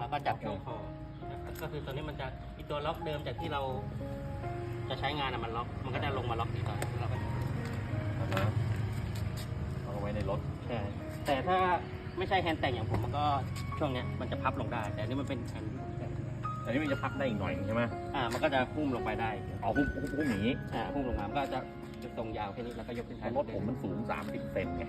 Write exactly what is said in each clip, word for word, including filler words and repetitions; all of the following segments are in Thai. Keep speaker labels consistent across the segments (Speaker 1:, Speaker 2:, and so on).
Speaker 1: แล้วก็จับช่วงคอนะครับก็คือตัวนี้มันจะอีตัวล็อกเดิมจากที่เราจะใช้งานอะมันล็อกมันก็จะลงมาล็อกที่ต่อเราก็
Speaker 2: เอาไว้ในรถ
Speaker 1: ใช่แต่ถ้าไม่ใช่แฮนด์แต่งอย่างผมมันก็ช่วงเนี้ยมันจะพับลงได้แต่อันนี้มันเป็นแฮนด์
Speaker 2: อันนี้มันจะพับได้อีกหน่อยใช่ไหม
Speaker 1: อ่ามันก็จะพุ่มลงไปได้
Speaker 2: อ๋อพุ่มพุ่มพุ่มอย่างนี้
Speaker 1: อ่าพุ่มลงมามันก็จะจะตรงยาวแค่นี้แล้วก็ยกขึ้น
Speaker 2: รถผมมันสูงสามสิบเซนไง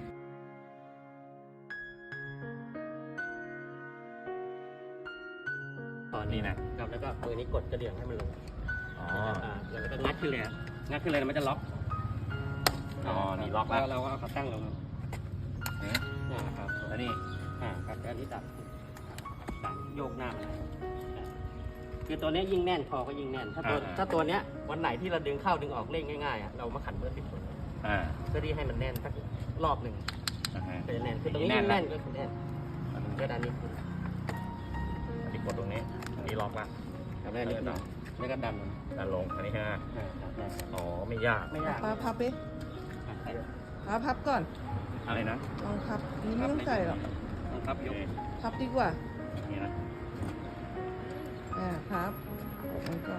Speaker 1: ตอนนี้นะครับแล้วก็มือนี้กดกระเดื่องให้มันลง
Speaker 2: อ๋อ
Speaker 1: อ่าแล้วก็งัดขึ้นเลยครับงัดขึ้นเลยมันจะล็อก
Speaker 2: อ๋อนี่ล็อกแล้ว
Speaker 1: เราก็เอาขาตั้งลง
Speaker 2: นี่
Speaker 1: อ่าครับ
Speaker 2: แล้วนี่
Speaker 1: อ่าครับแล้วอันนี้ดับดับโยกหน้ามันคือตัวนี้ยิ่งแน่นคอก็ยิ่งแน่น ถ้าตัวถ้าตัวเนี้ยวันไหนที่เราดึงเข้าดึงออกเล่นง่ายๆอ่ะเรามาขันเบอร์สิบคน
Speaker 2: อ่า
Speaker 1: เพื่อที่ให้มันแน่นสักรอบหนึ่ง
Speaker 2: อ่าฮะ
Speaker 1: ก็จะแน่นคือตรงนี้ยิ่งแน่นก็คือแน่นก็ด้านนี้ขึ้น
Speaker 2: อันนี้กดตรงนี้อันนี้ล็อกละ
Speaker 1: แล้วอันนี้ขึ้นแล้วก็ดันมัน
Speaker 2: ดันลงอันนี้ฮะ
Speaker 1: อ่าครับได้ครับ
Speaker 2: อ๋อไม่ยาก
Speaker 1: ไม่ยาก
Speaker 3: พับพับไป
Speaker 1: อ่ะใส่
Speaker 3: พับพับก่อน
Speaker 2: อะไรนะ
Speaker 3: ลองพับนี่ไม่ต้องใส่หรอก
Speaker 1: ครับยก
Speaker 3: พับดีกว่า
Speaker 2: นี่นะ
Speaker 3: อ่าพับออกไว้ก่อน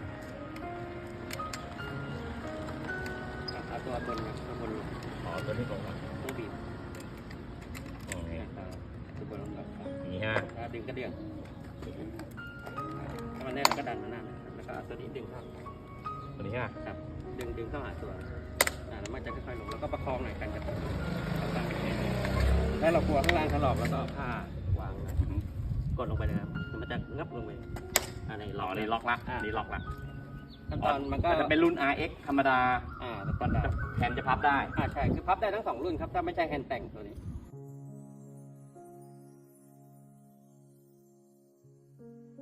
Speaker 1: เอาตัวบนนะตัวบนลง
Speaker 2: อ๋อตัวนี้ลงละ
Speaker 1: ตัวบีบ
Speaker 2: อ๋อนี่
Speaker 1: ตัวบนลงครับ
Speaker 2: นี่ฮะ
Speaker 1: แล้วดึงกระเดื่องถ้ามันแน่นก็ดันมันหน้าแล้วก็เอาตัวนี้ดึงเข้า
Speaker 2: ตัวนี้ฮะ
Speaker 1: ครับดึงดึงเข้าหาตัวอ่าแล้วมันจะค่อยๆลงแล้วก็ประคองหน่อยกันกับถ้าเรากลัวข้างล่างถลอกแล้วก็เอาผ้าวางนะกดลงไปเลยครับมันจะงับลงไปอันนี้
Speaker 2: อ๋
Speaker 1: ล็
Speaker 2: อ
Speaker 1: อก
Speaker 2: นี่ล็อกละนี่ล็อกละ
Speaker 1: ขั้นตอนมันก็
Speaker 2: จะเป็นรุ่น อาร์ เอ็กซ์ ธรรมดา
Speaker 1: อ่าสแตนดาร์ด
Speaker 2: แทนจะพับได้
Speaker 1: อ่าใช่คือพับได้ทั้งสองรุ่นครับถ้าไม่ใช่แฮนด์แต่งตัวนี้